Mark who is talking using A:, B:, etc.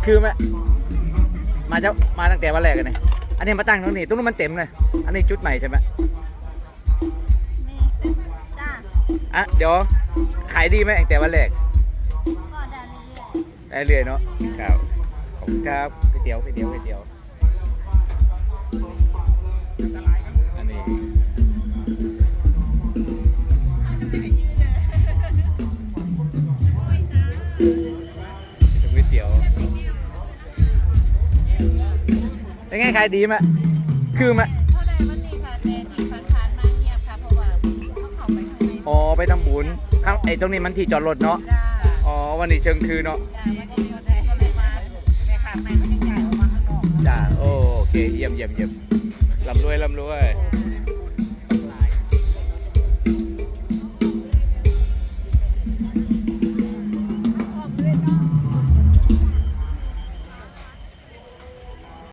A: คือไหมมาตั้งแต่วันแรกกันเลยอันนี้มาตั้งตรงนี้ตรงนู้นมันเต็มเลยอันนี้จุดใหม่ใช่ไหม
B: มีจ้า
A: อ่ะเดี๋ยวขายดีไหมตั้งแต่วันแรก
B: ก็ได้เรื่อย
A: ได้เรื่อยเนาะครับขอบคุณครับก๋วยเตี๋ยวอันนี้ก๋วยเตี๋ยวเป็นไงขายดีไหมคือไหม
B: ๆเท่าใดมันนี่ค่ะแต่ที่ผ่านๆมาเงียบค่ะเพราะว่าเขาเข้าไปข้างใน
A: อ๋อไปทำบุญข้างไอ้ตรงนี้มันที่จอดรถเนาะ
B: จ้า
A: อ๋อวันนี้เชิงคือเนาะ
B: จ้าวันนี้ก็ได้ก็เลยมาในขาดในก็ยังใหญ่ออกมาข้างนอก
A: จ้าโอเคเยี่ยมลำรวย